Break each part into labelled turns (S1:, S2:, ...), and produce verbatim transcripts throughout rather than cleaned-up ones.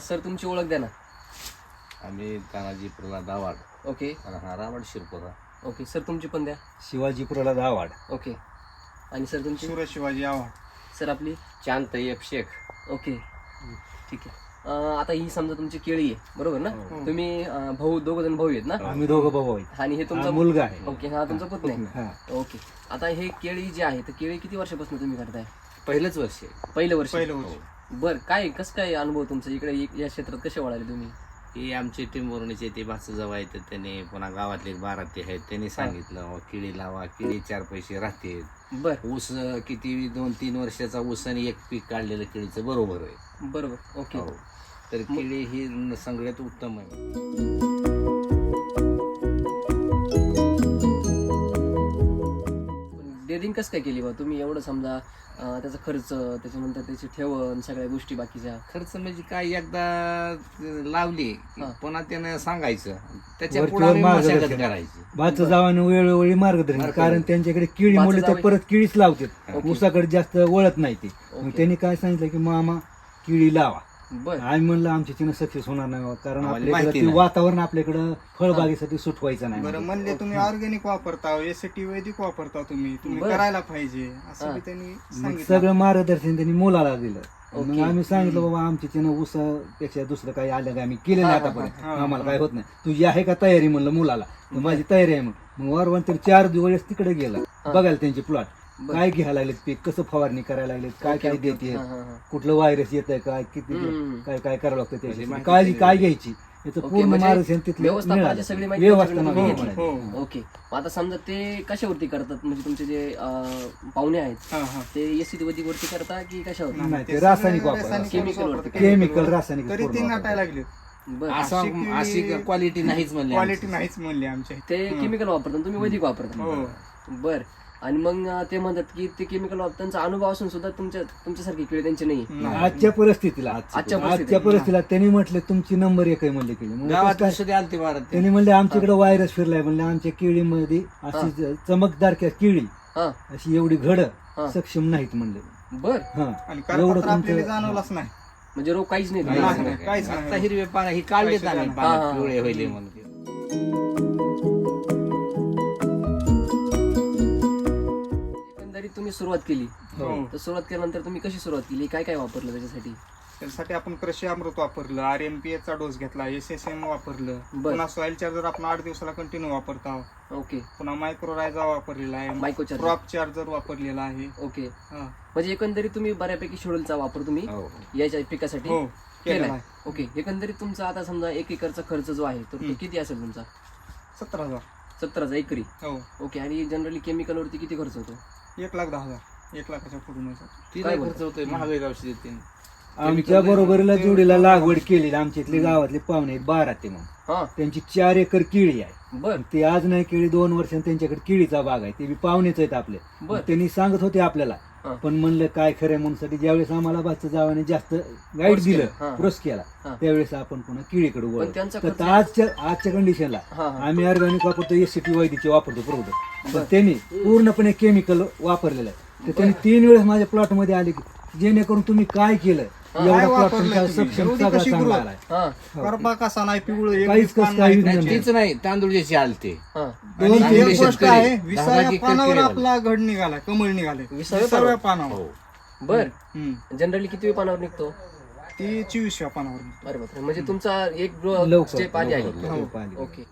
S1: Sir तुमची ओळख द्या ना.
S2: आम्ही तानाजी प्रल्हाद आव्हाड,
S1: ओके
S2: हा रावण शिरपुरा.
S1: ओके सर तुमची पण द्या.
S3: शिवाजी प्रल्हाद आव्हाड.
S1: ओके आणि सर तुमची.
S4: सुरेश शिवाजी आव्हाड.
S1: सर आपली.
S2: चांद एफ शेख.
S1: ओके ठीक आहे. अं, आता ही समजा तुमची केळी आहे बरोबर ना. तुम्ही अं, भाऊ दोघ जण भाऊ आहेत ना.
S3: आम्ही दोघं भाऊ आहेत.
S1: आणि हे
S3: हा
S1: तुमचा
S3: मुलगा आहे.
S1: ओके हा तुमचा पुतण्या आहे.
S3: हा.
S1: ओके आता हे केळी जी आहे तर केळी किती वर्षापासून तुम्ही करताय.
S2: पहिलंच वर्ष आहे.
S1: पहिलं वर्ष.
S4: पहिलं वर्ष.
S1: बर काय कसं काय अनुभव तुमचा इकडे या क्षेत्रात कसे वळाले तुम्ही.
S2: ही आमचे टिंबोर्णीचे ते भाचं जवळ आहेत त्याने, पुन्हा गावातले बारा ते आहेत त्यांनी सांगितलं "अहो, केळी लावा, केळी चार पैसे राहते.
S1: बर
S2: ऊस अं, किती दोन तीन वर्षाचा ऊस आणि एक पीक काढलेलं केळीचं बरोबर आहे.
S1: बरोबर. ओके
S2: हो. तर केळी ही न- सगळ्यात उत्तम आहे.
S1: डेअरिंग कसं काय केली बा तुम्ही एवढं समजा अं, त्याचा खर्च त्याच्यानंतर त्याची ठेवण सगळ्या गोष्टी बाकीच्या.
S2: खर्च म्हणजे काय एकदा लावली की
S1: हा.
S2: पुन्हा त्यानं सांगायचं त्याच्या
S3: वरच्यावर
S2: पुढे आम्ही
S3: मार्गदर्शन.
S2: मशागत करायची.
S3: भाचं जावाने वेळोवेळी मार्गदर्शन,
S2: मार्गदर्शन.
S3: कारण त्यांच्याकडे केळी
S1: भाचं
S3: मुले तर
S1: जावई-
S3: परत केळीच लावतात,
S1: ओके.
S3: ऊसाकडे जास्त वळत नाही ते. मग
S1: ओके.
S3: त्यांनी काय सांगितलं की मामा केळी लावा.
S1: बर
S3: आम्ही म्हणलं आमच्या तिनं सक्सेस होणार नाही बाबा, कारण
S2: आम्हाला
S3: आपल्याकडे
S2: माहिती
S3: ते
S2: नाही.
S3: वातावरण आपल्याकडं फळबागेसाठी सुटवायचं नाही.
S4: बरं म्हणले तुम्ही ऑर्गॅनिक वापरता, एसटी वैदिक वापरता, तुम्ही तुम्ही
S1: बरं.
S4: करायला पाहिजे असं
S1: हा.
S4: बी त्यांनी
S3: मग
S4: सांगितलं.
S3: सगळं मार्गदर्शन त्यांनी मुलाला दिलं. मग
S1: ओके.
S3: आम्ही सांगितलं बाबा आमच्या तिनं ऊसापेक्षा दुसरं काही आलं का आम्ही केलं नाही
S1: हा, हा,
S3: आतापर्यंत,
S4: हा, हा.
S3: आम्हाला काय होत नाही. तुझी आहे का तयारी म्हणलं मुलाला. तर माझी तयारी आहे. मग मग वारवान तर चार दिवस तिकडे गेला बघायला त्यांचे प्लॉट,
S1: बरं.
S3: काय घ्यायला लागलेत पीक, कसं फवारणी करायला लागलेत, काय
S1: ओके,
S3: काय
S1: ओके.
S3: देते,
S1: हा, हा, हा.
S3: कुठलं व्हायरस येत आहे काय, किती
S1: हम्म.
S3: काय काय करावं लागतं
S2: म्हणजे
S3: त्याची
S2: माहिती
S3: काळजी
S2: दिली.
S3: काय घ्यायची याचं
S1: ओके,
S3: पूर्ण
S1: म्हणजे
S3: मार्गदर्शन तिथलं
S1: व्यवस्थापनाची
S3: मिळालं.
S1: सगळी माहिती
S3: व्यवस्थापन
S1: तुमच्याकडे
S3: हो,
S1: घेतली.
S3: मिळालं.
S4: हो.
S1: ओके आता समजा ते कशावरती करतात म्हणजे तुमचे जे अं, पाहुणे आहेत
S4: हा, हा.
S1: ते एसिड वरती करता की कशावर.
S3: नाही, ते
S4: सगळं
S3: रासायनिक वापर-
S4: रासायनिक
S1: केमिकल
S4: वापरतात.
S1: वरती.
S3: केमिकल,
S4: वर.
S3: रासायनिक
S4: तरी
S3: पूर्ण
S4: ते
S3: वापरतात.
S4: नाटायला लागले.
S1: बर
S2: असं
S4: अशी केळी-
S2: अशी क्वालिटी नाहीच म्हणली
S4: क्वालिटी
S2: आमची.
S4: नाहीच म्हणली आमच्या.
S1: ते
S4: हं.
S1: केमिकल वापरतात तुम्ही वैदिक वापरता.
S4: हो.
S1: बर आणि मग अं, ते म्हणतात की ते केमिकल वापर त्यांचा अनुभव असून सुद्धा तुमच्या तुमच्यासारखी केळी त्यांची नाही.
S4: नाही.
S3: आजच्या परिस्थितीला
S1: आजच्या
S3: आजच्या
S1: परिस्थितीला.
S3: परिस्थितीला त्यांनी म्हटलं तुमची नंबर एक आहे म्हणले केली. मग
S2: गावात
S3: कसं काय?
S2: सुद्धा आलती भारत ते.
S3: त्यांनी म्हणले आमच्याकडे व्हायरस फिरलाय म्हणले, आमच्या केळीमध्ये अशी ज- चमकदार क्या केळी
S1: हा
S3: अशी एवढी घड
S1: हा.
S3: सक्षम नाहीत म्हणले.
S1: बर
S3: हा
S4: आणि
S3: एवढं
S4: करपत्र आपल्याला
S3: तुमचं
S4: जाणवलाच नाही.
S1: म्हणजे रोग काहीच नाही
S2: काहीच
S1: तुम्हाला.
S4: नाही.
S2: नाही.
S4: काहीच नाही.
S2: आता हिरवे पानं ही काढलेत
S4: काहीच
S2: आम्ही
S4: नाही.
S1: हा, हा,
S2: पानं
S1: हा.
S2: पिवळे होईल म्हणून.
S1: एकंदरीत तुम्ही सुरुवात केली
S4: हो.
S1: तर सुरुवात केल्यानंतर तुम्ही कशी सुरुवात केली काय काय वापरलं त्याच्यासाठी.
S4: त्यासाठी आपण कृषी अमृत वापरलं, आर एम पी चा डोस घेतला, एस एस एम वापरलं,
S1: बर.
S4: पुन्हा सॉइल चार्जर आपण आठ दिवसाला कंटिन्यू वापरता,
S1: ओके
S4: पुन्हा मायक्रोरायझा वापरलेला आहे,
S1: मायक्रोचार्जर.
S4: क्रॉप चार्जर वापरलेला आहे.
S1: ओके
S4: हा.
S1: म्हणजे एकंदरीत तुम्ही बऱ्यापैकी शेड्यूलचा वापर तुम्ही
S2: हो.
S1: याच्या पिकासाठी
S4: हो केलेला
S1: केलाय.
S4: आहे.
S1: ओके एकंदरीत तुमचा आता समजा एक एकरचा खर्च जो आहे तर तो
S4: हम्म.
S1: किती असेल तुमचा.
S4: सतरा हजार.
S1: सत्तराचा एकरी.
S4: हो.
S1: ओके आणि जनरली केमिकल वरती किती खर्च होतो.
S4: एक लाख दहा हजार. एक लाखाच्या पुढून आहे.
S2: तिला
S1: काय
S2: खर्च होतोय महागाई औषध येते.
S3: आमच्या बरोबरीला जोडीला लागवड केली. आमच्या इथले गावातले पाहुणे आहेत बारा ते, मग
S1: हा
S3: त्यांची चार एकर केळी आहे.
S1: बर
S3: ते आज नाही केळी दोन वर्षांनी त्यांच्याकडे केळीचा बाग आहे. ते बी पाहुणेच आहेत आपले.
S1: बर.
S3: मग त्यांनी सांगत होते आपल्याला,
S1: हा.
S3: पण म्हणलं काय खरं म्हणून साठी ज्यावेळेस आम्हाला भाचं जावाने जास्त गाईड
S1: Force केलं.
S3: दिलं,
S1: हा.
S3: प्रोस केला,
S1: हा.
S3: त्यावेळेस आपण पुन्हा केळीकडे
S1: पण
S3: वळलो.
S1: त्यांचा
S3: तर
S1: खर्च-
S3: आजच्या आजच्या कंडिशनला
S1: हा हा
S3: आम्ही ऑर्गॅनिक वापरतो, एस सी टी वैदिकचे वापरतो प्रोडक्ट.
S1: बर.
S3: तर त्यांनी पूर्णपणे केमिकल वापरलेलं आहे. तर त्यांनी तीन वेळेस माझ्या प्लॉट मध्ये आले की जेणेकरून तुम्ही काय केलं,
S1: हा.
S3: एवढा
S4: काय
S3: प्लॉट
S4: वापरलं
S3: तुमचा
S4: तुम्ही?
S3: सक्षम
S4: एवढी
S3: सगळा
S4: कशी
S3: चांगला
S4: growth?
S3: आलाय.
S1: हा
S4: करपा कसा नाही, पिवळं एक
S3: काहीच
S4: पान
S3: कसं काही
S4: नाही.
S3: नाही.
S2: नाही तीच नाही तांदूळची आलते.
S1: हा
S4: आणि
S3: दोन
S4: एक
S2: चांगले
S4: गोष्ट
S2: शेतकरी.
S4: आहे,
S2: दहा
S4: विसाव्या
S2: लाख एकर
S4: पानावर
S2: केळी
S4: आपला घड निघालाय, कमळ निघाले
S1: विसाव्या
S4: विसाव्या पानावर.
S2: हो.
S1: बर
S4: हम्म.
S1: जनरली किती पानावर निघतो.
S4: ती चोवीसव्या पानावर.
S1: अरे बापरे म्हणजे तुमचा एक
S3: लवकर,
S1: स्टेप आधी आहे.
S2: लवकर,
S3: हो,
S4: हो.
S3: पाहिली.
S1: ओके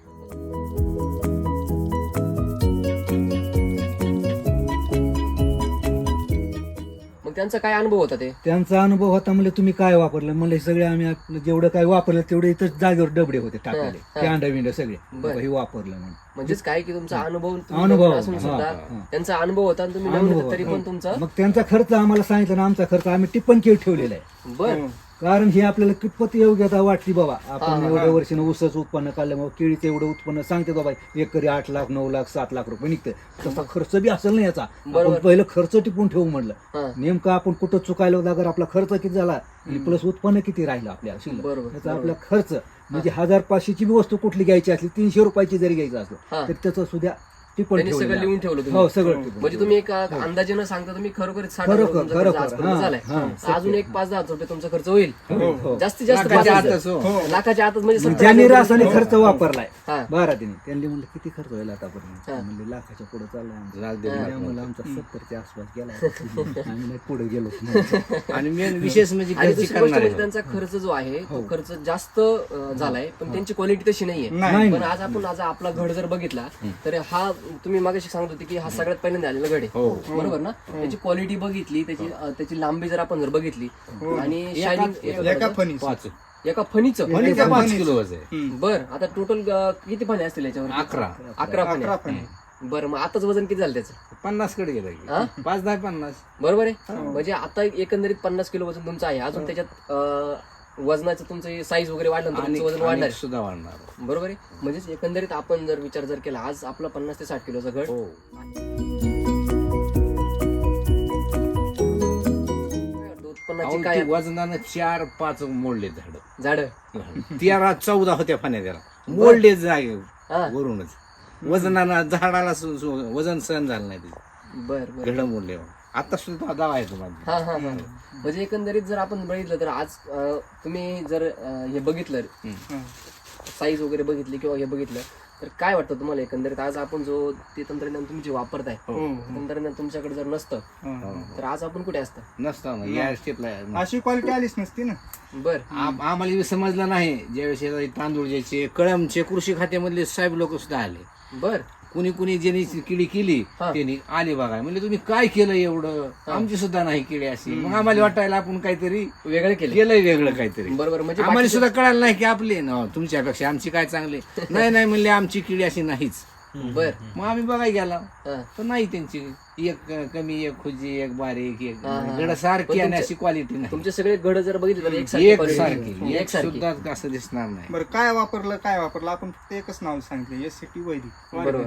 S1: मग त्यांचा काय अनुभव होता ते.
S3: त्यांचा अनुभव होता म्हणजे तुम्ही काय वापरलं म्हणजे सगळे आम्ही आपलं जेवढं काय वापरलं तेवढे इथं जागेवर डबडे होते टाकलेले,
S1: हा,
S3: ते अंडा बिंड सगळे
S1: बरं.
S3: हे वापरलं म्हणून.
S1: म्हणजेच काय की तुमचा अनुभव तुम्ही
S3: अनुभव,
S1: नवीन असून
S3: हा,
S1: सुद्धा
S3: हा.
S1: त्यांचा अनुभव होता आणि तुम्ही नवीन
S3: अनुभव,
S1: होता तरी पण तुमचा.
S3: मग त्यांचा खर्च आम्हाला सांगितलं ना, आमचा खर्च आम्ही टिप्पण केळ ठेवलेला आहे.
S1: बर
S4: हो.
S3: कारण ही आपल्याला कितपत योग्यता वाटली बाबा,
S1: हा,
S3: आपण
S1: हा,
S3: एवढ्या वर्षानं ऊसाचं उत्पन्न काढल्यामुळे केळीचं एवढं उत्पन्न सांगते बाबा एकरी आठ लाख नऊ लाख सात लाख रुपये निघतं, तसा खर्च बी असेल ना याचा.
S1: बरोबर.
S3: आपण पहिलं खर्च टिपून ठेवू म्हणलं,
S1: हा
S3: नेमकं आपण कुठं चुकायला होता, अगर आपला खर्च किती झाला आणि प्लस उत्पन्न किती राहिलं आपल्या शिल्लक,
S1: बरोबर,
S3: त्याचा
S1: बरोबर.
S3: आपला खर्च म्हणजे हजार पाचशेची बी वस्तू कुठली घ्यायची असली, तीनशे रुपयाची जरी घ्यायची
S1: हा.
S3: असलं तर त्याचं सुद्धा ती पण
S1: त्यांनी सगळं
S3: ठेवलेली
S1: लिहून ठेवलं
S3: आहे.
S1: तुम्ही
S3: हो सगळं टिपून
S1: म्हणजे तुम्ही एक अंदाजे न सांगता तुम्ही खरोखर साठ
S3: खरोखर,
S1: हजार तुमचा खर्च
S3: खरोखर,
S1: आजपर्यंत
S3: हां,
S1: झालाय
S3: हां,
S1: तर
S3: सत्य.
S1: अजून एक पाच दहा हजार रुपये तुमचा खर्च होईल
S4: हो.
S1: जास्तीत जास्त पाच
S2: लाखाच्या
S1: हजार.
S2: आतच, हो.
S1: लाखाच्या आतच म्हणजे सत्तर
S3: ज्यांनी
S1: हजार
S3: रासायनिक
S1: रुपये.
S3: खर्च वापरलाय
S1: हा.
S3: बारातीने त्यांनी म्हणलं किती खर्च होईल आतापर्यंत
S1: हा.
S3: म्हणले लाखाच्या पुढे चाललाय आमचा.
S2: लाख दीड लाख
S3: त्यामुळे
S2: नव्हतं.
S3: आमचा सत्तरच्या आसपास गेला आम्ही नाही पुढे गेलो
S2: आणि मेन विशेष म्हणजे
S1: आणि
S2: घरची
S1: दुसरी गोष्ट
S2: करणारे
S1: म्हणजे त्यांचा खर्च जो आहे तो
S3: हो.
S1: खर्च जास्त अं, झालाय पण त्यांची क्वालिटी तशी नाहीये
S4: नाही.
S1: पण आज आपण आज आपला घड जर बघितला तर हा तुम्ही मागाशी सांगत होते की हा सगळ्यात पहिल्यांदा आलेला घड आहे
S2: हो.
S1: बरोबर ना त्याची क्वालिटी बघितली त्याची अं, त्याची लांबी जर आपण जर बघितली
S4: हो.
S1: आणि
S2: एका-
S1: शायनिंग
S4: एका फणीस
S2: पाच
S1: एका फणीचं
S2: म्हणजे
S4: एका
S2: पाच
S4: फणीचं.
S2: किलो वजन आहे.
S1: बर आता टोटल किती फणी असतील याच्यावर
S2: अकरा
S1: अकरा फणी
S4: अकरा फणी
S1: बरं मग आताच वजन किती झालं त्याचं
S2: पन्नास कडे गेलं
S1: हा?
S2: की पाच दहा पन्नास
S1: बरोबर आहे म्हणजे आता एकंदरीत पन्नास किलो वजन तुमचं आहे अजून त्याच्यात अं, वजनाचं तुमचं साईज वगैरे वाढलं तर
S2: आणि
S1: तुमचं वजन वाढणार
S2: आणि सुद्धा वाढणार
S1: बरोबर आहे म्हणजेच एकंदरीत आपण जर विचार जर केला आज आपला पन्नास ते साठ किलोचा घड
S2: हो
S1: उत्पन्नाची
S2: अहो,
S1: काय
S2: ते वजनानं चार पाच मोडले झाड
S1: झाड
S2: तेरा चौदा होत्या फाण्या त्याला मोडले जागे
S1: हा
S2: वरूनच वजनानं झाडाला सु- सु- वजन सहन झालं नाही त्याचं
S1: बर बर
S2: घड मोडले आता सुद्धा दावा आहे तुम्हाला
S1: हा हा हा म्हणजे एकंदरीत जर आपण बघितलं तर आज अं, तुम्ही जर अं, हे बघितलं साईज वगैरे बघितली किंवा हे बघितलं तर काय वाटतं तुम्हाला एकंदरीत आज आपण जो ते तंत्रज्ञान तुम्ही जे वापरताय
S4: हो.
S1: तंत्रज्ञान तुमच्याकडे जर नसतं
S4: हो.
S1: तर आज आपण कुठे असतं
S2: नसतं ना या स्टेपला
S4: अशी क्वालिटी आलीच नसती ना
S1: बर
S2: आम- आम्हाला हे समजलं नाही ज्यावेळेस हे तांदूळ ज्याचे कळमचे कृषी खात्यामधले साहेब लोक सुद्धा आले
S1: बर
S2: कुणी कुणी ज्यांनी किडी केली
S1: हा.
S2: त्यांनी आले बघा म्हणजे तुम्ही काय केलं एवढं आमची सुद्धा नाही केली अशी मग आम्हाला वाटायला आपण काहीतरी
S1: वेगळे केले
S2: केलंय वेगळं काहीतरी
S1: बरोबर म्हणजे
S2: आम्हाला
S1: बाकीचे-
S2: सुद्धा कळालं नाही की आपले न तुमच्यापेक्षा आमची काय चांगले नाही नाही म्हणले आमची किडी अशी नाहीच
S1: बर
S2: मग आम्ही बघायला गेला
S1: हा.
S2: तर नाही त्यांची एक कमी एक खुजी एक बारीक एक
S1: हा, हा.
S2: गड
S1: पण
S2: सारखी आणि
S1: तुमच्या-
S2: अशी क्वालिटी नाही
S1: तुमचे सगळे घड जर बघितले तर एक
S2: एक सारखी एक
S1: सारखी
S2: सुद्धा असं दिसणार नाही
S4: बरं काय वापरलं काय वापरलं आपण फक्त एकच नाव सांगितलं एस सी टी वैदिक
S1: बरोबर.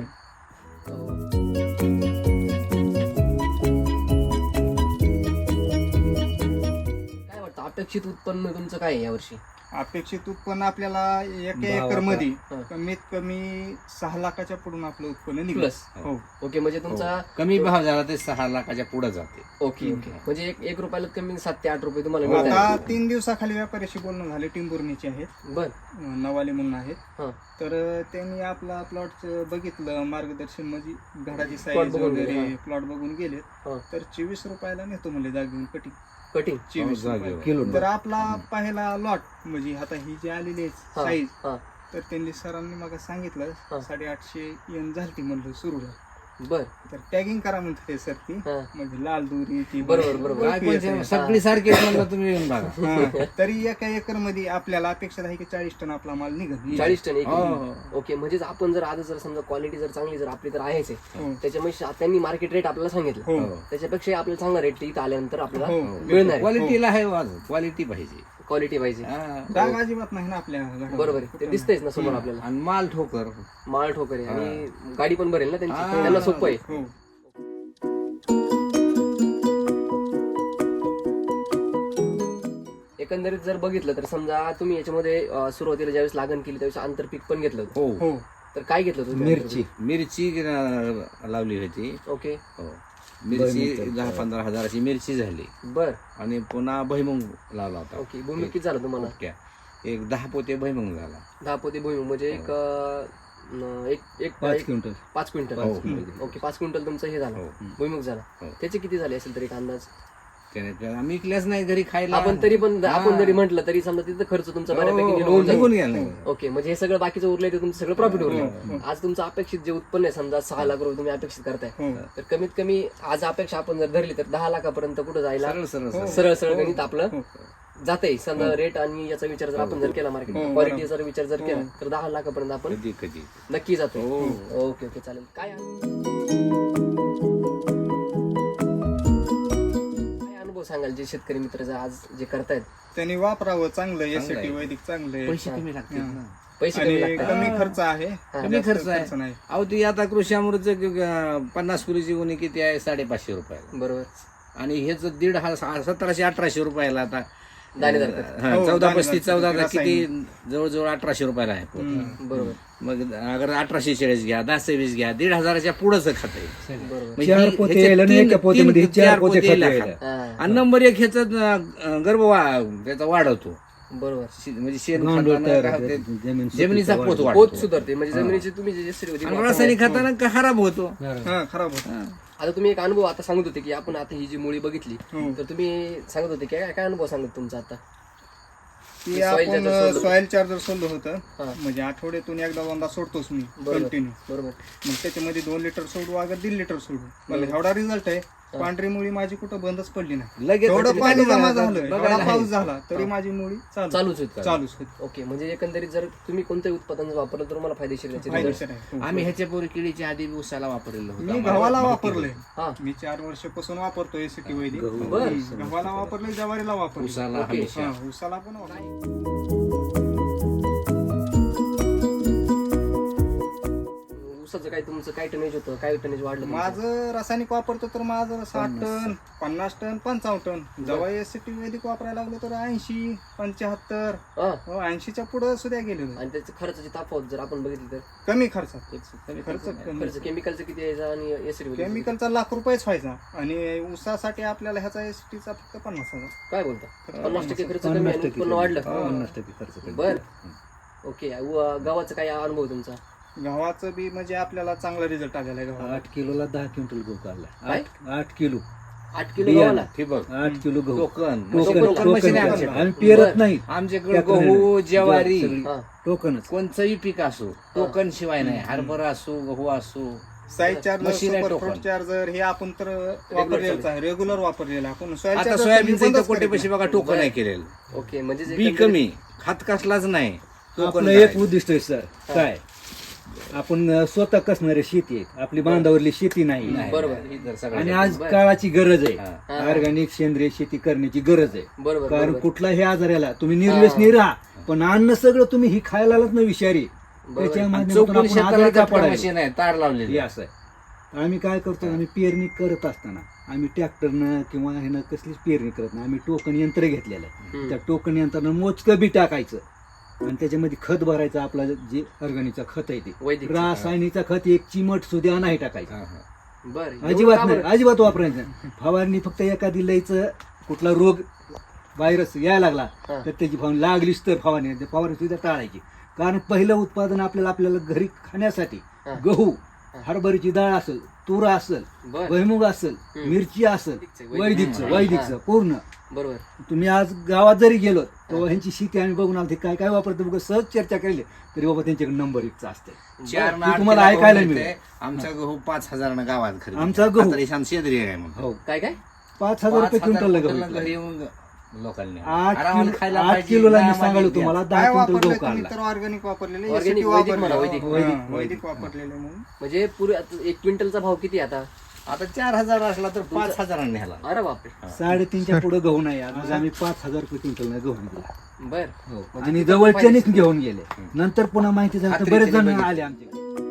S1: काय वाटतं अपेक्षित उत्पन्न तुमचं काय आहे यावर्षी
S4: अपेक्षित उत्पन्न आपल्याला एका
S3: दहा
S4: एकर मध्ये
S1: हा.
S4: कमीत कमी सहा लाखाच्या पुढून आपलं उत्पन्न निघलं
S1: प्लस
S4: हो
S1: ओके म्हणजे तुमचा
S2: हो. कमी भाव झाला ते सहा लाखाच्या पुढे जाते
S1: ओके ओके म्हणजे एक एक रुपयाला कमी सात ते आठ रुपये तुम्हाला मिळत
S4: आता तीन दिवसाखाली व्यापाऱ्याशी बोलणं झाले टिंबुर्णीचे आहेत
S1: बर
S4: अं, नवाले म्हणून आहेत
S1: हा
S4: तर अं, त्यांनी आपला प्लॉट बघितलं मार्गदर्शन म्हणजे घडाची
S1: Plot
S4: साईज
S1: बघून गेले,
S4: वगैरे
S1: हा.
S4: प्लॉट बघून गेले
S1: हा
S4: तर चोवीस रुपयाला नेतो म्हणले जागेऊन कटिंग
S1: कटिंग
S4: चोवीस
S2: जागेवर.
S4: रुपये
S3: किलो
S4: तर आपला पहिला लॉट म्हणजे आता ही जी आलेली आहे
S1: हा
S4: साईज
S1: हा
S4: तर त्यांनी सरांनी मला
S1: हा.
S4: सांगितलं साडेआठशे येऊन झालती म्हणलं सुरूला
S1: बर
S4: तर टॅगिंग करा म्हणते सर ती
S1: हा
S4: म्हणजे लाल दोरी ती
S1: बरोबर, बरोबर.
S2: काय पण ते सगळी सारखी आहेत म्हणलं तुम्ही येऊन बघा
S4: हा. तरी एका एकर मध्ये आपल्याला अपेक्षा आहे की चाळीस टन आपला माल निघत
S1: चाळीस टन एक
S2: हो, हो.
S1: ओके म्हणजेच आपण जर आज जर समजा क्वालिटी जर चांगली जर आपली तर आहेच आहे
S4: हो.
S1: त्याच्यामुळे त्यांनी मार्केट रेट आपल्याला सांगितलं
S4: हो
S1: त्याच्यापेक्षा आपल्याला चांगला रेट इथं आल्यानंतर आपल्याला
S4: हो.
S1: मिळणार आहे
S2: क्वालिटीला आहे वाज क्वालिटी पाहिजे
S1: क्वालिटी पाहिजे
S2: हा.
S4: डाग अजिबात नाही ना आपल्या घरावर.
S1: बरोबर आहे ते दिसतंयच ना समोर आपल्याला
S2: आणि माल ठोकर
S1: माळ ठोकर आहे आणि गाडी पण भरेल ना त्यांची
S2: हा.
S1: त्यांना सोपं आहे
S4: हो
S1: एकंदरीत जर बघितलं तर समजा तुम्ही याच्यामध्ये अं, सुरुवातीला ज्यावेळेस लागण केली त्यावेळेस आंतरपीक पण घेतलं होतं.
S2: हो
S4: हो
S1: तर काय घेतलं तुम्ही
S3: मिरची
S2: मिरची अं, लावली होती
S1: ओके
S2: हो मिरची
S3: भुईमुग
S2: दहा पंधरा हजाराची मिरची झाली
S1: बर
S2: आणि पुन्हा भैमुंग लावला होता
S1: ओके भूमी किती झालं तुम्हाला
S2: ओके. एक दहा पोते भैमुंग झाला
S1: दहा पोते भूमी म्हणजे एक अं, न- एक एक
S3: पाच
S1: एक-
S3: क्विंटल
S1: पाच क्विंटल
S2: हो.
S1: ओके पाच क्विंटल तुमचं हे झालं
S2: हो.
S1: भुईमुग झाला
S2: हो.
S1: त्याचे किती झाले असेल तरी एक अंदाज
S2: त्याने त्या- आम्ही विकल्याच नाही घरी खायला
S1: आपण तरी पण आपण
S2: हा.
S1: जरी म्हटलं तरी समजा तिथं खर्च तुमचा
S2: हो,
S1: बऱ्यापैकी
S2: हो,
S1: निघून
S2: निघून
S1: जाईल
S2: गेला
S1: ओके म्हणजे हे सगळं बाकीचं उरलंय ते तुमचं सगळं प्रॉफिट
S4: हो,
S1: उरलंय आज तुमचं अपेक्षित जे उत्पन्न आहे समजा सहा लाख रुपये तुम्ही अपेक्षित करताय
S4: हो
S1: तर कमीत कमी आज अपेक्षा आपण जर धरली तर दहा लाखापर्यंत कुठं जायला
S2: सरळ सरळ
S4: हो.
S2: सरळ.
S1: सरळ सरळ गणित आपलं
S4: हो.
S1: जाते समजा रेट आणि याचा विचार जर आपण जर केला मार्केट
S4: हो,
S1: क्वालिटी जर विचार जर
S4: हो.
S1: केला तर दहा लाखापर्यंत आपण
S2: कधी कधी
S1: नक्की जातो
S2: हो.
S1: ओके ओके चालेल काय काय अनुभव सांगाल जे शेतकरी मित्र जे आज जे करतायत
S4: त्यांनी वापरावं चांगलं एस
S2: चांगलं आहे.
S4: टी वैदिक चांगलं आहे.
S2: पैसे कमी लागतील ना
S1: पैसे कमी
S4: आणि
S1: लागतात
S4: कमी खर्च आहे
S2: कमी
S4: जास्त
S2: खर्च आहे
S4: नाही
S2: अहो ती आता कृषी अमृत पन्नास किलोची गुन्हे किती आहे साडेपाचशे रुपयाला
S1: बरोबर
S2: आणि हेच दीड हा सतराशे अठराशे रुपयाला आता
S1: दाणेदार खत.
S2: हा,
S4: हो,
S2: चौदा
S4: दाणेदार
S2: पस्तीस
S4: खत,
S2: चौदा
S4: रासायनिक.
S2: किती जवळजवळ अठराशे रुपयाला आहे पोत.
S4: हम्म.
S1: बरोबर
S2: मग अगर अठराशे चाळीस घ्या दहा सव्वीस घ्या दीड हजाराच्या पुढंच खत आहे.
S1: बरोबर
S2: म्हणजे
S3: चार
S2: ही-
S3: पोते
S2: ह्याच्यात
S3: यायला नाही,
S2: तीन-
S3: एका पोत्यामध्ये
S2: तीन-
S3: चार
S2: चार
S3: पोते
S2: पोते
S3: खत
S2: यायला.
S3: यायला.
S1: हा,
S2: आणि नंबर एक ह्याचा अं, गर्भ वा- त्याचा वाढवतो.
S1: बरोबर
S2: शे- म्हणजे शेण
S3: गांडूळ
S2: खतानं
S3: तयार
S2: काय
S3: होते,
S2: होते,
S3: जमीन
S2: जमिनीचा
S3: सुपीकता
S2: पोत
S3: वाढते.
S1: पोत
S2: वाढतो.
S1: सुधारते म्हणजे जमिनीची तुम्ही जे जे होती
S2: आणि रासायनिक खतानं का खराब होतो.
S4: हा, खराब होत.
S2: हा.
S1: आता तुम्ही एक अनुभव आता सांगत होते की आपण आता ही जी मुळी बघितली
S4: हो.
S1: तर तुम्ही सांगत होते की काय काय अनुभव सांगत तुमचा आता
S4: ती
S1: soil
S4: आपण
S1: charger सोडलं.
S4: सॉइल चार्जर सोडलं होतं
S1: हा.
S4: म्हणजे आठवड्यातून एकदा दोनदा सोडतोच मी
S1: बरोबर
S4: कंटिन्यू.
S1: बरोबर
S4: मग त्याच्यामध्ये दोन लिटर सोडू अगर दीड लिटर सोडू मला एवढा रिझल्ट आहे. पांढरी मुळी माझी कुठं बंदच पडली नाही.
S2: लगेच
S4: एवढं
S2: तुम्ही
S4: पाणी
S2: काय
S4: जमा
S2: बघा-
S4: झालं
S2: बघायला
S4: एवढा पाऊस
S2: आहे.
S4: झाला तरी माझी मुळी चालू
S1: चालूच होत
S4: चालूच होती.
S1: ओके म्हणजे एकंदरीत जर तुम्ही कोणत्याही उत्पादन वापरलं तर तुम्हाला फायदेशीर त्याचे result.
S4: फायदेशीर आहे.
S2: आम्ही ह्याच्यापूर्वी किडीच्या आधी उसाला वापरलेलं होतं.
S4: मी गव्हाला वापरले.
S1: हा
S4: मी चार वर्षापासून वापरतो एसीटी वैदिक.
S1: बर.
S4: हम्म. गव्हाला वापरले ज्वारीला वापरले.
S2: उसाला
S1: ओके.
S2: हमेशा.
S4: हा, उसाला पण वापरले.
S1: ऊसाचं काय तुमचं काय टनेज होतं काय टनेज वाढलं तुमचं?
S4: माझं रासायनिक वापरतो तर माझं साठ टन पन्नास टन पंचावन्न टन जेव्हा एसीटी वैदिक वापरायला लागलो तर ऐंशी पंच्याहत्तर
S1: हा.
S4: ऐंशीच्या पुढे सुद्धा गेलेलो.
S1: आणि त्याचं खर्चाची तफावत जर आपण बघितली तर
S4: कमी खर्चात
S1: त्याचं
S4: खर्च कमी.
S1: खर्च केमिकलचं किती यायचा आणि एसिड
S4: केमिकलचा लाख रुपयेच व्हायचा आणि ऊसासाठी आपल्याला ह्याचा एसटीचा फक्त पन्नास हजार.
S1: काय बोलता पन्नास टक्के खर्च कमी
S3: पन्नास
S1: आणि
S3: टक्के
S1: उत्पन्न वाढलं
S3: पन्नास टक्के खर्च कमी.
S1: बर ओके उ- गव्हाचा काय अनुभव तुमचा
S4: गव्हाचं बी म्हणजे आपल्याला चांगला रिझल्ट आलेला आहे गव्हाला.
S3: आठ किलोला दहा क्विंटल गहू काढला.
S1: काय?
S3: आठ आठ किलो
S1: आठ किलो
S3: बियाणं.
S1: गव्हाला
S2: ठिबक
S3: आठ किलो गहू
S2: token
S3: token
S2: token
S3: token
S2: machine आहे
S3: टाकायचं.
S2: आमच्याकडे.
S3: आम्ही पेरत
S1: बरं.
S3: नाही
S2: आमच्याकडे
S3: त्याकडे
S2: गहू ज्वारी
S3: सगळी
S1: हा.
S3: टोकनच.
S2: कोणचंही पीक असो टोकन शिवाय नाही हरभरा असो गहू असो
S4: साईज चार्जर
S2: मशीन आहे
S4: सुपर
S2: टोकन.
S4: फ्रूट चार्जर हे आपण तर वापरलेलं आहे रेग्युलर वापरलेलं आहे. आपण soil
S2: आता
S4: charger
S2: सोयाबीनचं
S4: बंदच
S2: इथं कोटे
S4: करीत
S2: पैसे
S4: नाही.
S2: बघा टोकन आहे केलेलं
S1: ओके म्हणजे जे
S2: बी
S1: एकंदरीत-
S2: कमी खात कसलाच नाही टोकन
S3: आपलं एक
S2: करायचं.
S3: उद्दिष्ट आहे सर काय आपण अं, स्वतः कसणारी शेती आहे आपली बांधावरली शेती नाही
S2: नाही,
S1: बरोबर.
S2: नाही, ही तर सगळ्यात
S3: आणि
S2: जास्त.
S3: आज काळाची गरज आहे
S2: हा.
S3: ऑर्गॅनिक सेंद्रिय शेती करण्याची गरज आहे
S1: बरोबर
S3: कारण
S1: बरोबर.
S3: कुठलाही आजार याला तुम्ही निर्व्यसनी राहा पण अन्न सगळं तुम्ही ही खायलाच नाही विषारी
S1: बरोबर.
S3: त्याच्या
S2: आणि
S3: माध्यमातून
S2: चौकोनी
S3: आपण
S2: शेताला
S3: आजारी का
S2: झटका
S3: पडायला?
S2: मशीन आहे तार
S3: हे
S2: लावलेली
S3: असं आहे आम्ही काय करतो आम्ही पेरणी करत असताना आम्ही ट्रॅक्टरनं किंवा ह्यानं कसलीच पेरणी करत नाही आम्ही टोकन यंत्र घेतलेलं आहे
S1: हम्म.
S3: त्या टोकन यंत्रानं मोजकं बी टाकायचं आणि त्याच्यामध्ये खत भरायचं आपला जे ऑर्गॅनिकचा खत आहे ते
S1: वैदिक
S3: रासायनिकचा खत एक चिमट सुद्धा नाही टाकायचं
S2: हा, हा.
S1: बर एवढं
S3: अजिबात
S1: का
S3: नाही
S1: बरं?
S3: अजिबात वापरायचं नाही. फवारणी फक्त एखादी लईचं कुठला रोग व्हायरस यायला लागला
S1: हा.
S3: तर त्याची फवारणी लागलीच तर फवारणी ते फवारणी सुद्धा टाळायची कारण पहिलं उत्पादन आपल्याला आपल्याला घरी खाण्यासाठी
S1: हा.
S3: गहू हरभरीची डाळ असेल तूर असेल
S1: बर
S3: भुईमुग असेल
S1: हम्म.
S3: मिरची असेल
S1: वैदिकचं,
S3: वैदिकचं
S1: हम्म.
S3: वैदिकचं पूर्ण
S1: बरोबर
S3: तुम्ही आज गावात जरी गेलो तेव्हा ह्यांची शेती आम्ही बघून आलो ते काय काय वापरतो बघ सहज चर्चा केली तरी बाबा त्यांच्याकडे नंबर एकचा असते
S2: चार
S3: ते
S2: ना आठ
S3: तुम्हाला
S2: किलो
S3: ऐकायला
S2: गहू
S3: मिळेल.
S2: मिळते. आमचा गहू पाच हजारानं गावात खरेदी
S3: आमचा गहू.
S2: आता ईशान शेंद्री आहे म्हणून
S3: हो
S1: काय काय
S3: पाच हजार रुपये
S2: पाच हजार
S3: क्विंटल
S2: क्विंटलला
S3: गहू
S2: घरी येऊन लोकांनी
S3: आठ
S2: आरामाने
S3: किलो
S2: खायला
S3: आठ
S2: पाहिजे,
S3: किलोला मी
S2: आरामाने
S3: सांगालो
S2: घ्या.
S3: तुम्हाला दहा
S4: काय
S3: क्विंटल
S4: वापरले
S3: गहू
S4: तुम्ही
S3: काढला
S4: तर ऑर्गॅनिक वापरलेले
S1: Organic,
S4: SCT
S1: वैदिक
S4: वापरले.
S1: म्हणा, वैदिक.
S4: हा,
S3: वैदिक,
S4: वैदिक वापरलेले म्हणून
S1: म्हणजे पुरे आता एक क्विंटलचा भाव किती आता
S2: आता चार हजार असला तर पाच हजारांनी न्याला
S1: अरे बापरे
S3: साडेतीनच्या पुढे गहू नाही आज आम्ही पाच हजार रुपये क्विंटल गहू विकला
S1: बर
S3: हो.
S1: म्हणजे
S3: आणि
S1: तिथं
S3: जवळच्यानेच
S1: फायदेशीर.
S3: घेऊन गेले नंतर पुन्हा माहिती झाली तर
S2: खात्रीने
S3: बरेच जण
S2: बघितलं.
S3: आले आमचे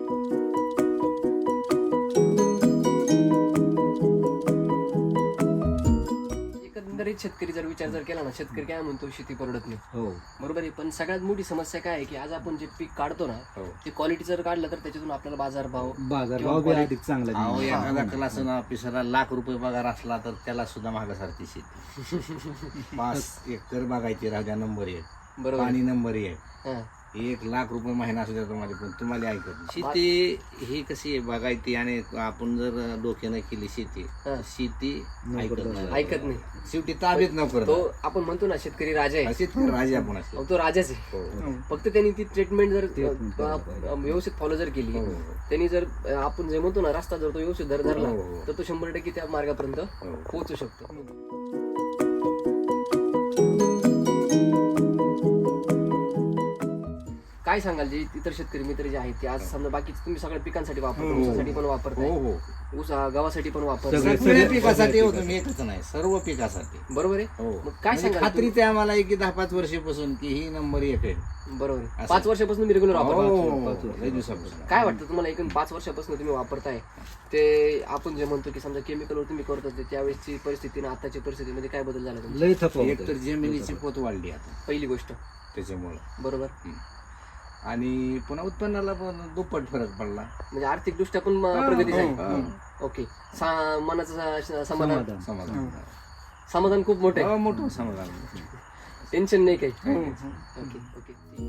S1: एकंदरीत शेतकरी जर विचार जर केला ना शेतकरी काय म्हणतो शेती परवडत नाही
S3: हो
S1: बरोबर आहे पण सगळ्यात मोठी समस्या काय आहे की आज आपण जे पीक काढतो ना
S2: हो.
S1: ते क्वालिटी जर काढलं तर त्याच्यातून आपल्याला बाजार भाव
S3: बाजार
S1: किंवा
S3: भाव बी
S1: quality-
S3: अधिक चांगला
S2: अहो
S3: मिळाला.
S2: एखादा क्लास ऑफिसरला लाख रुपये पगार असला तर त्याला सुद्धा मागासारखी शेती पाच एकर बागायची राजा नंबर एक
S1: बरोबर
S2: पाणी नंबर एक
S1: हा.
S2: एक लाख रुपये महिना असू द्या तुम्हाला पण तुम्हाला ऐकत नाही. शेती ही कशी आहे बागायती आणि आपण जर डोक्यानं केली शेती
S1: हा.
S2: शेती ऐकत नाही
S1: ऐकत नाही
S2: शेवटी ताब्यात न करत
S1: तो आपण म्हणतो ना शेतकरी राजा आहे
S2: शेतकरी राजा आपण असतो
S1: अहो, तो राजाच आहे
S2: हो.
S4: हो.
S1: फक्त त्यांनी ती ट्रीटमेंट जर
S3: Treatment
S1: अ,
S3: केली
S1: अ, व्यवस्थित फॉलो जर केली
S2: हो.
S1: त्यांनी जर अ, आपण जे म्हणतो ना रस्ता जर तो व्यवस्थित धर धरला
S2: हो, हो.
S1: तर तो शंभर टक्के त्या मार्गापर्यंत
S2: हो.
S1: पोहोचू शकतो काय काय सांगाल जे इतर शेतकरी मित्र जे आहेत ते आज समजा बाकीचे तुम्ही सगळ्या पिकांसाठी वापरता,
S4: हो.
S1: ऊसासाठी पण वापरताय,
S2: हो हो
S1: ऊस गव्हासाठी पण वापरताय,
S3: सगळे-
S2: सगळ्या पिकासाठी होतो मी एकच नाही सर्व पिकासाठी
S1: बरोबर आहे.
S2: हो
S1: मग काय
S2: म्हणजे
S1: सांगाल
S2: खात्री ते आम्हाला आहे की दहा पाच वर्षापासून की ही नंबर एक आहे.
S1: बरोबर आहे.
S2: असं.
S1: पाच वर्षापासून तुम्ही रेग्युलर
S2: हो,
S1: वापरता.
S2: हो,
S3: पाच
S2: हो,
S3: वर्ष.
S2: लय दिवसापासून.
S1: काय वाटतं तुम्हाला एकूण पाच वर्षापासून तुम्ही वापरताय ते आपण जे म्हणतो की समजा केमिकलवर तुम्ही करत होते त्यावेळेसची परिस्थिती आणि आताची परिस्थितीमध्ये काय बदल झाला तुमचा?
S3: लय थकवा
S2: एक तर जमिनीची पोत वाढली आता
S1: पहिली गोष्ट
S2: त्याच्यामुळं
S1: बरोबर,
S2: आणि पुन्हा उत्पन्नाला पण दुप्पट फरक पडला.
S1: म्हणजे आर्थिक दृष्ट्या पण अं, प्रगती झाली.
S2: हा.
S1: ओके, सा- मनाचं स- समाधान
S3: समाधान.
S2: समाधान
S1: समाधान खूप मोठं आहे,
S2: हो, मोठं समाधान.
S1: टेन्शन नाही काही.
S4: हो.
S1: Okay okay.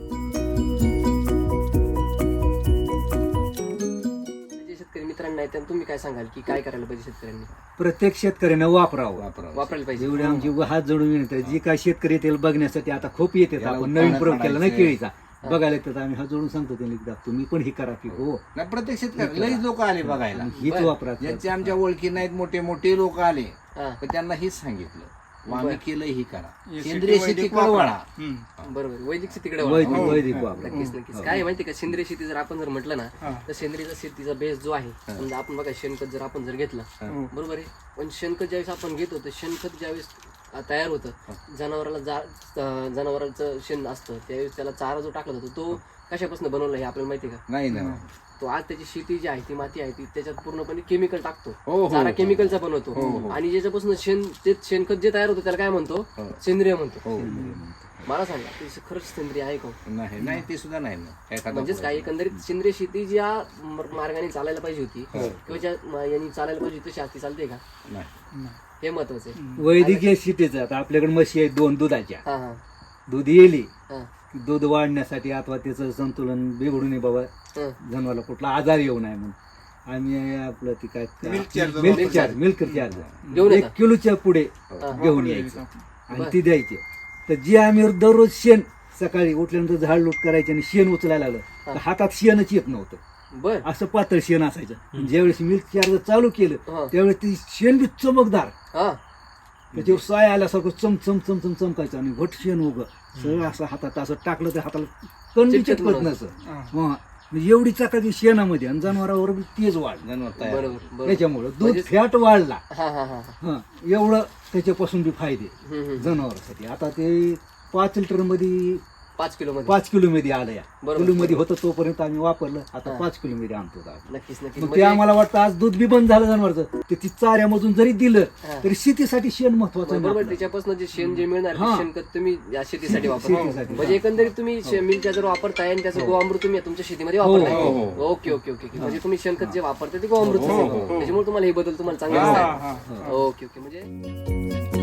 S1: जे शेतकरी मित्रांना आहेत त्यांना तुम्ही काय सांगाल की काय करायला पाहिजे शेतकऱ्यांनी?
S3: प्रत्येक शेतकऱ्यानं वापरावं.
S2: वापरावं.
S1: वापरायला पाहिजे.
S3: जेवढे आमची हात जोडून विनंती आहे, जी काय शेतकरी येतील बघण्यासाठी आता खूप येतात.
S2: याला
S3: आपण नवीन प्रयोग केला नाही
S2: उत्पन्न
S3: केळीचा, बघायला येतात. आम्ही हात जोडून सांगतो त्यांनी एकदा तुम्ही पण ही करा की हो
S2: नाही प्रत्येक शेतकरी लईच लोक आले बघायला,
S3: हीच
S1: बरं.
S3: वापरा.
S2: ज्यांचे आमच्या ओळखी नाहीत मोठे मोठे लोक आले
S1: हा,
S2: पण त्यांना हेच सांगितलं मग आम्ही
S1: बरं.
S2: केलं ही करा
S4: हे
S2: सेंद्रिय
S4: शेती
S2: शेती
S4: वैदिक
S2: कळवळा.
S4: वापरा. हम्म.
S1: बरोबर. वैदिक शेतीकडे
S3: वैदिक
S1: वळा.
S4: हो.
S3: वैदिक वापरा.
S1: नक्कीच नक्कीच.
S3: हो.
S1: काय आहे माहिती का, सेंद्रिय शेती जर आपण जर म्हटलं ना
S4: हा.
S1: तर सेंद्रिय शेतीचा बेस जो आहे, समजा आपण बघा शेणखत जर आपण जर घेतलं,
S4: हो.
S1: बरोबर आहे, पण शेणखत ज्यावेळेस आपण घेतो तर शेणखत ज्यावेळेस अं, तयार होतं, जनावराला जा अं, जनावरांचं शेण असतं त्यावेळेस त्याला चारा जो टाकला जातो तो कशापासून बनवला हे आपल्याला माहिती आहे का?
S2: नाही ना
S1: तो आज त्याची शेती जी आहे ती माती आहे ती त्याच्यात पूर्णपणे केमिकल टाकतो,
S2: हो, हो,
S1: चारा
S2: हो.
S1: केमिकलचा
S2: हो,
S1: बनवतो,
S2: हो.
S1: आणि ज्याच्यापासून शेण ते शेणखत जे तयार होतं त्याला काय म्हणतो?
S2: हो.
S1: सेंद्रिय म्हणतो.
S2: हो
S1: मला सांगा ते खरंच सेंद्रिय आहे का?
S2: नाही नाही ते सुद्धा नाही ना एखादा
S1: म्हणजेच काय, एकंदरीत सेंद्रिय शेती ज्या म- मार्गाने चालायला पाहिजे होती किंवा ज्या म- यांनी चालायला पाहिजे होती तशी आज ती चालते का,
S2: नाही.
S1: हे महत्वाचं आहे.
S3: वैदिकीय शेतीचं आता आपल्याकडे म्हशी आहेत दोन दुधाच्या.
S1: हा हा
S3: दूध येली
S1: हा
S3: दूध वाढण्यासाठी अथवा त्याचं संतुलन बिघडू नये बाबा,
S1: हा.
S3: जनावरला कुठला आजार येऊ नये म्हणून आम्ही आपलं ती काय
S4: Milk charger
S3: मिल्क
S1: वापरतो.
S3: चार्ज मिल्क चार्ज
S1: घेऊन
S3: एक
S1: येता?
S3: किलोच्या पुढे
S1: हा.
S3: घेऊन यायचं आणि
S1: बरं.
S3: ती द्यायची. तर जी आम्ही दररोज शेण सकाळी उठल्यानंतर झाड लूट करायचे आणि शेण उचलायला लागलं तर हातात शेणच येत नव्हतं,
S1: बर
S3: असं पातळ शेण असायचं. ज्यावेळेस मिल्क चार्ज चालू केलं
S1: हा
S3: त्यावेळेस ती शेण बी चमकदार,
S1: हा
S3: त्याच्यावर साय आल्यासारखं चम चम चम चम चमकायचं आणि घट शेण उग सगळं असं हातात असं टाकलं तर हाताला कण बी
S1: चिटकत
S3: चिटकत
S1: नव्हतं.
S3: नसं.
S4: हा.
S3: हा. म्हणजे एवढी चाकाची शेणामध्ये आणि जनावरावर बी तेज वाढ,
S2: जनावर तयार
S1: बरोबर बरोबर.
S3: त्याच्यामुळं दूध
S1: म्हणजे-
S3: फॅट वाढला.
S1: हा हा हा
S3: हा एवढं त्याच्यापासून बी फायदे
S1: हम्म, हम्म.
S3: जनावरांसाठी. आता ते पाच लिटर मध्ये
S1: पाच किलो मध्ये
S3: पाच किलो मध्ये आलं या
S1: बरोबर.
S3: किलो मध्ये होतं तोपर्यंत आम्ही वापरलं. आता
S1: हा.
S3: पाच किलो मध्ये आणतो आता.
S1: नक्कीच नक्कीच.
S3: मग ते
S1: म्हणजे-
S3: आम्हाला वाटतं आज दूध बी बंद झालं जनावरचं ते ती चाऱ्यामधून जरी दिलं
S1: हा.
S3: तरी शेतीसाठी शेण महत्वाचं आहे
S1: बरोबर,
S3: आपलं.
S1: त्याच्यापासून जे शेण जे मिळणार ते
S3: हा.
S1: शेणखत तुम्ही या शेतीसाठी वापरता.
S3: शेतीसाठी.
S1: म्हणजे एकंदरीत तुम्ही मिलच्या जर वापरताय आणि त्याचं गोअमृत तुम्ही तुमच्या शेतीमध्ये
S3: हो,
S1: वापरताय.
S2: हो, हो.
S1: Okay okay okay okay. म्हणजे तुम्ही शेणखत जे वापरताय ते गोअमृत
S2: हो, हो, हो.
S1: त्याच्यामुळे तुम्हाला हे बदल तुम्हाला चांगले
S4: हा,
S1: दिसतात.
S4: हा.
S1: Okay okay. म्हणजे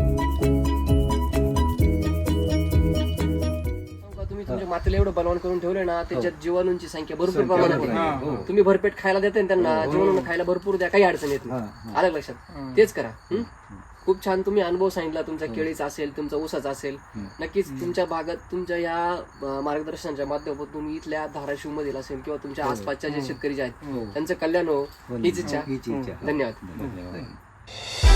S1: तुम्ही तुमच्या मातेला एवढं बनवून करून ठेवले ना त्याच्यात जीवाणूंची संख्या भरपूर
S3: संख्या
S1: प्रमाणात
S3: भरपूर
S1: आहे.
S3: आहे. हो.
S1: तुम्ही भरपेट खायला देताय ना त्यांना, जीवाणूंना खायला भरपूर द्या, काही अडचण येत
S3: हा,
S1: नाही.
S3: हा.
S1: आलं लक्षात? तेच करा. हं? खूप छान तुम्ही अनुभव सांगितला तुमचा केळीचा असेल, तुमचा ऊसाचा असेल. नक्कीच तुमच्या भागात तुमच्या या अं, मार्गदर्शनाच्या माध्यमातून इथल्या धाराशिव मधील असेल किंवा तुमच्या आसपासच्या जे शेतकरी जे आहेत
S3: हो.
S1: त्यांचं कल्याण हो
S3: हो.
S1: हीच इच्छा.
S3: हीच इच्छा.
S1: धन्यवाद.
S2: धन्यवाद.